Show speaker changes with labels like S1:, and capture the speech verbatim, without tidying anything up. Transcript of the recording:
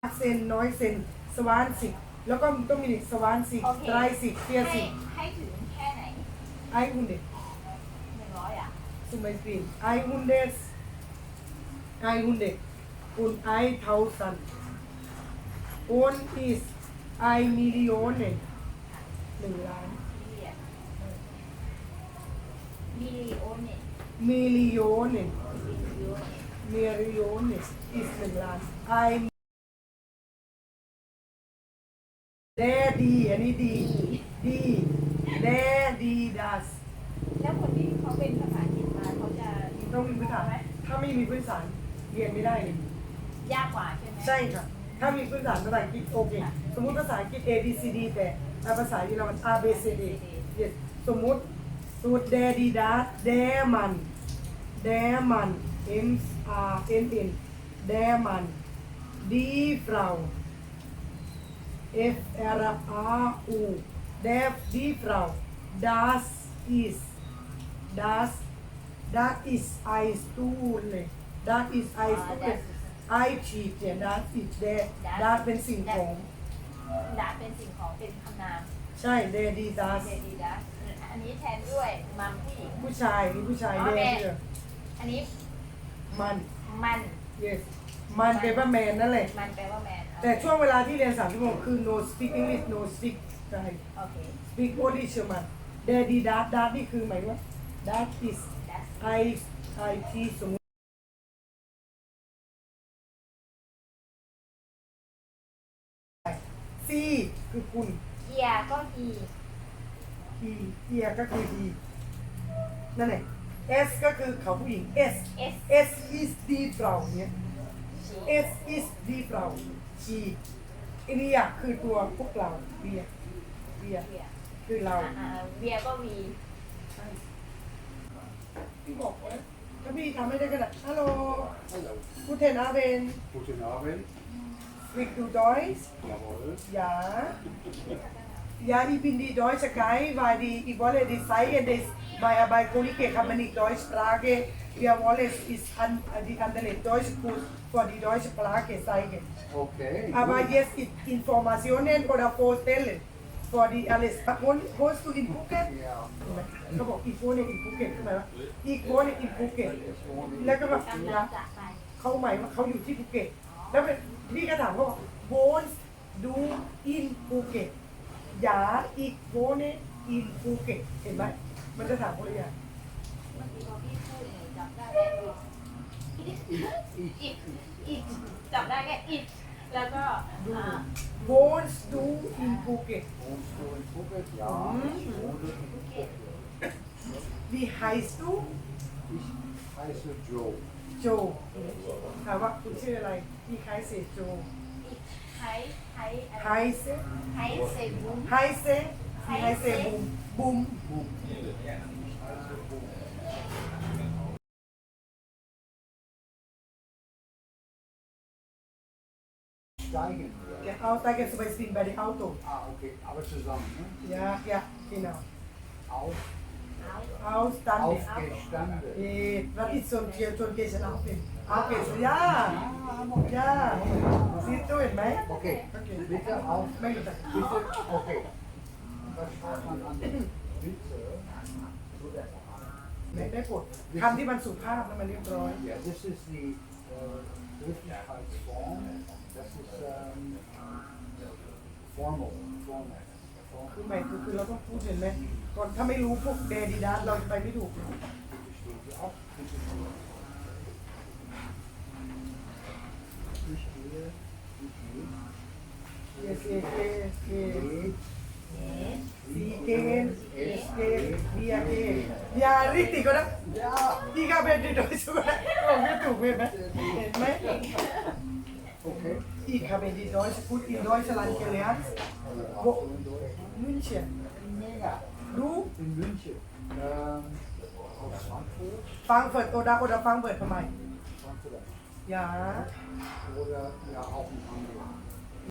S1: เซนน้อยเซนสวานสิบแล้วก็ต้องมีสวานสิบ
S2: โอเค
S1: ไตรสิบเฟีย
S2: ให้
S1: สิบ
S2: ให้ถึงแค่ไหน
S1: ไอฮุนเด
S2: หนึ่งร้อยอ่ะ
S1: zum Beispiel hundert hundert und tausend und ist ein Million หนึ่งล้าน
S2: มิลลิโอนเนี่ย
S1: Million
S2: มิลลิโอน
S1: Million ist หนึ่งล้าน ein แดดีอันนี้ดีดีแดดี das
S2: แล้วคนที่เขาเป็นภาษาอังกฤษมาเขาจะ
S1: ต้องมีพื้นฐาน
S2: ไหม
S1: ถ้าไม่มีพื้นฐานเรียนไม่ได้เลย
S2: ยากกว่าใช่ไหม
S1: ใช่ค่ะ ถ้ามีพื้นฐานภาษาอังกฤษโอเค สมมุติภาษาอังกฤษ A B C D แต่ภาษาเยอรมัน A B C D yes สมมุติสมมุติ der die das der Mann der Mann M R N N der Mann die Frau F R A U der die Frau das ist das das ist ein Stuhl das ist ein Stuhl ไอชีเจียดาสิเดดาเป็นสิ่งของ
S2: ดาเป็นสิ่งของเป็นคำนาม
S1: ใช่เดดีดา
S2: เดดีดาอันนี้แทนด้วยมัมผู้หญิง
S1: ผู้ชายนี่ผู้ชายเดเชื่อ
S2: อันนี้
S1: มัน
S2: มัน
S1: yes มันเป็นว่าแมนนั่นแหละ
S2: มันแปลว่าแมน
S1: แต่ช่วงเวลาที่เรียนสามชั่วโมงคือ no speak English no speak ใช่
S2: โอเค
S1: speak only เชื่อมันเดดีดาดานี่คือหมายว่า that is
S2: that's
S1: I I T สมมติซีคือคุณ
S2: เกียร์ก็อี
S1: ทีเทียก็คือดีนั่นแหละ S ก็คือเขาผู้หญิง S
S2: S
S1: S is die Frau เนี่ย S is die Frau she อันนี้อะคือตัวพวกเราเบียเบีย
S2: เวีย
S1: คือเรา
S2: อ่าเวียก็วี
S1: พี่บอกว่าถ้าพี่ทำไม่ได้ก็ได้ฮัลโหล
S3: Hallo.
S1: กูเทนอาเบน
S3: Guten Abend.
S1: วิกดูดอยส์
S3: Jawohl.
S1: ja ja ich bin die deutsche Guy weil die ich wolle die zeigen dass bei bei Kollege kann man nicht Deutsch Sprache wir wollen ist an die andere Deutsch Kurs für die deutsche Sprache zeigen
S3: Okay.
S1: aber
S3: gut.
S1: jetzt ist Informationen oder vorstellen für die alles Wohn- wohnst du in Phuket
S3: Ja.
S1: เขาบอกอีกโวนอินภูเก็ตใช่ไหมวะอีกโวนอินภูเก็ตแล้วก็แบบ
S2: กำลังจะไป
S1: เขาหมายว่าเขาอยู่ที่ภูเก็ตแล้วเป็นพี่ก็ถามเขาบอกโวนดูอินภูเก็ตยาอีกโวนอินภูเก็ตเห็นไหมมันจะถามคนละอย่าง
S2: เมื่อกี้พอพี่พูดเนี่ยจับได้แค่อีกอีกอีกจับได้แค่อีกแล้วก็
S1: ดู
S2: อ่า
S1: โวนดูอินภูเก็ต
S3: Wohnst du in Phuket? Ja. Ich wohne in Phuket.
S1: wie heißt du
S3: Ich heiße Joe.
S1: โจถามว่าคุณชื่ออะไรพี่คล้ายเซโจ
S2: อีกไฮไฮ
S1: ไฮเซ
S2: ไฮเซบุม
S1: ไฮเซพี่ไฮเซบุมบุม
S3: Boom. Ich heiße Boom. Steigen wir.
S1: Der Aussteiger zum Beispiel bei dem Auto.
S3: Ah, okay. Aber zusammen, ne?
S1: Ja, ja, genau.
S3: Auf,
S2: เอา
S1: Ausstande.
S3: aufgestanden.
S1: Eh, was ist so ein Tier, so ein Gäste auf dem? Aufgestanden. Ja, ja. Siehst du, ห็นไหม
S3: Okay.
S1: Okay.
S3: Bitte auf.
S1: ไม่รู้จัก
S3: Bitte. Okay. Was schreibt man an? Bitte.
S1: ไม่ได้กดคำที่มันสุภาพแล้วมันเรียบร้อย
S3: Ja, das ist die äh, Höflichkeitsform. Das ist ähm, formal. Formal.
S1: คือหมายคือคือเราต้องพูดเห็นไหมก่อนถ้าไม่รู้พวกเดดีดัสเราจะไปไม่ถูก
S3: Bitte stehen Sie auf. Bitte stehen. Ich gehe. Ich gehe.
S1: เอสเอเอเอ
S3: Geht.
S1: ซีเกนเอสเกนเบียเกนอย่าริติก็นะ
S3: Ja.
S1: พี่ก็เป็นดีโดยสุดนะโอ้ไม่ถูกเห็นไหมเห็นไหม
S3: Okay.
S1: Ich habe die Deutsche gut in Deutschland gelernt. Wo? München.
S3: Ja.
S1: Du?
S3: In München. Ähm, aus Frankfurt.
S1: Frankfurt oder, oder Frankfurt für mich.
S3: Frankfurt.
S1: Ja.
S3: Oder ja auch in Hamburg.